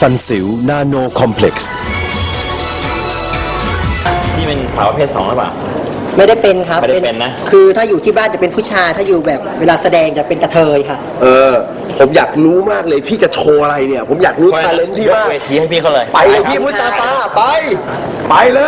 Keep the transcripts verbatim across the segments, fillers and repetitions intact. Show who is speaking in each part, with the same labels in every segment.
Speaker 1: ซันสิวนาโนคอมเพล็กซ์
Speaker 2: นี่เป็นสาวประเภทสองหรือเปล่า
Speaker 3: ไม่ได้เป็นครับ
Speaker 2: ไม่ได้เป็นนะ
Speaker 3: คือถ้าอยู่ที่บ้านจะเป็นผู้ชายถ้าอยู่แบบเวลาแสดงจะเป็นกระเทยค่ะ
Speaker 4: เออ ผมอยากรู้มากเลยพี่จะโชว์อะไรเนี่ย ผมอยากรู้ชาเลนจ์พี่มาก
Speaker 2: ยเวทีให้พี่เขาเลย
Speaker 4: ไปเลยพี่มุสตาฟาไป ไปเลย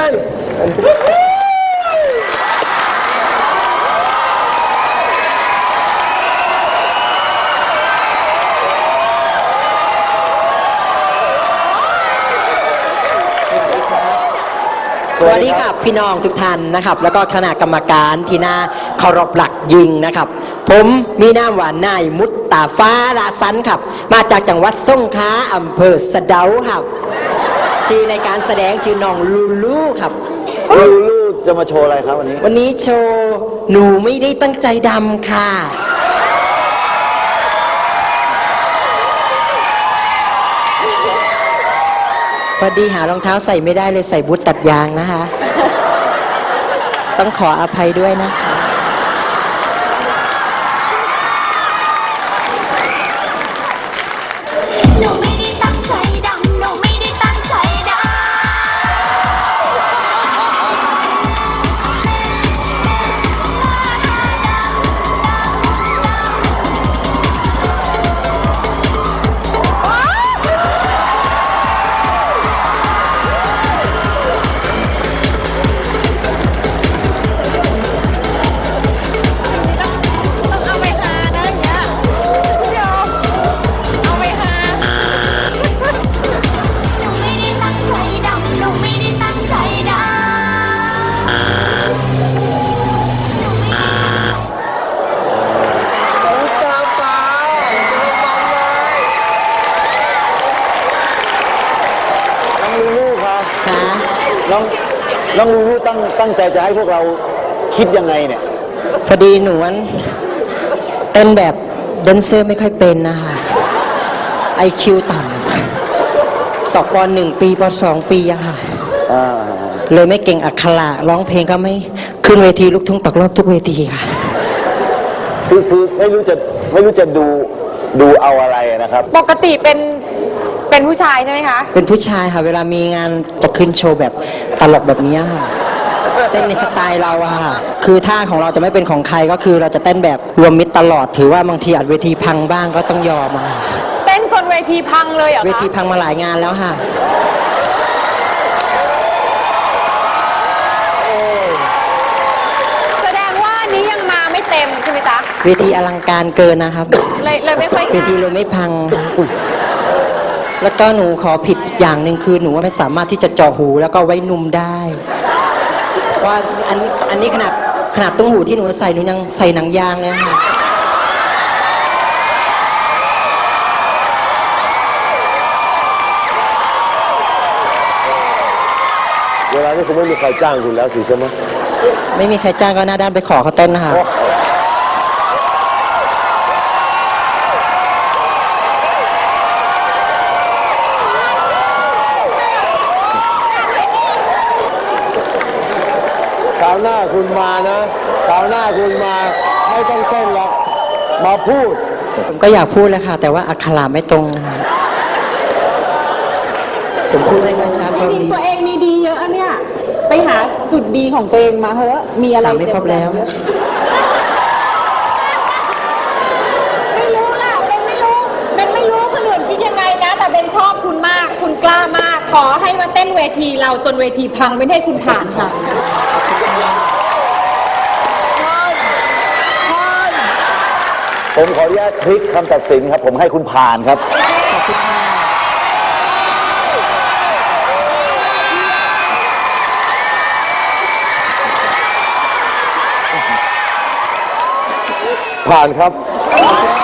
Speaker 3: สวัสดีครับพี่น้องทุกท่านนะครับ แล้วก็คณะกรรมการที่น่าเคารพหลักยิงนะครับ ผมมีนามว่านายมุตตาฟ้าราสันครับ มาจากจังหวัดสงขลาอำเภอสะเดาครับ ชื่อในการแสดงชื่อน้องลูลูครับ
Speaker 5: ลูลูจะมาโชว์อะไรครับวันนี้
Speaker 3: วันนี้โชว์หนูไม่ได้ตั้งใจดำค่ะพอดีหารองเท้าใส่ไม่ได้เลยใส่บูทตัดยางนะคะ ต้องขออภัยด้วยนะคะ
Speaker 6: หนูไม่ได้ตั้งใจดำหนูไม่ได้ตั้งใจดำ เอาไปหานะอย่างเงี้ยพี่ยอมเอาไปหาหนูไม่ได้ตั้งใจดำหนูไม่ได้ตั้งใจดำ
Speaker 4: มุสตาฟาเจอมันเลย
Speaker 5: น้องลูลูครับ
Speaker 3: ค่ะ
Speaker 5: น้องน้องลูลูตั้งตั้งใจจะให้พวกเราคิดยังไงเนี่ย
Speaker 3: พอดีหนูนั้นเต้นแบบแดนเซอร์ไม่ค่อยเป็นนะคะไอคิวต่ำตกปหนึ่งปีปสองปีอะค่ะ
Speaker 5: อ่า
Speaker 3: เลยไม่เก่งอักขระร้องเพลงก็ไม่ขึ้นเวทีลูกทุ่งตกรอบทุกเวทีค่ะ
Speaker 5: คือคือไม่รู้จะไม่รู้จะดูดูเอาอะไรนะครับ
Speaker 7: ปกติเป็นเป็นผู้ชายใช่ไหมคะ
Speaker 3: เป็นผู้ชายค่ะ เวลามีงานจะขึ้นโชว์แบบตลกแบบนี้ค่ะเต้นในสไตล์เราอะค่ะคือท่าของเราจะไม่เป็นของใครก็คือเราจะเต้นแบบรวมมิตรตลอดถือว่าบางทีอาจเวทีพังบ้างก็ต้องยอมอะค่ะ
Speaker 7: เต้นจนเวทีพังเลยเหรอ
Speaker 3: เว
Speaker 7: คะ
Speaker 3: ทีพังมาหลายงานแล้วค่ะ
Speaker 7: แสดงว่านี้ยังมาไม่เต็มใช่ไหมจ๊ะ
Speaker 3: เวทีอลังการเกินนะครับ
Speaker 7: เลยเลยไม่ค่อย
Speaker 3: เวทีเลยไม่พังอุ๊ยแล้วก็หนูขอผิดอย่างหนึ่งคือหนูว่าไม่สามารถที่จะเจาะหูแล้วก็ไว้นุ่มได้ว่าอันอันนี้ขนาดขนาดตุ้งหูที่หนูใส่หนูยังใส่หนังยางเลยค่ะ
Speaker 4: เวลานี้คุณไม่มีใครจ้างคุณแล้วสิใช่ไหม
Speaker 3: ไม่มีใครจ้างก็หน้าด้านไปขอเขาเต้นนะคะ
Speaker 4: คราวหน้าคุณมานะคราวหน้าคุณมาไม่ต้องเต้นละมาพูด
Speaker 3: ผมก็อยากพูดแล้วค่ะ แต่ว่าอักขระไม่ตรงนะคะผมพูดไม่ค่อยชัดเพราะ
Speaker 7: จริง
Speaker 3: มี
Speaker 7: ตัวเองมีดีเยอะเนี่ย ไปหาจุดดีของตัวเองมาเถอะมีอะไร
Speaker 3: ถามไม่ครบแล้ว
Speaker 7: ไม่รู้ล่ะเป็นไม่รู้เป็นไม่รู้คนอื่นคิดยังไงนะ แต่เป็นชอบคุณมาก คุณกล้ามาก ขอให้มาเต้นเวทีเราจนเวทีพังไม่ให้คุณผ่านค่ะ
Speaker 5: ผมขออนุญาตพลิกคำตัดสินครับ ผมให้คุณผ่านครับ
Speaker 3: ขอบคุณค่ะ
Speaker 4: ผ่านครับ
Speaker 3: ขอบคุณค่ะ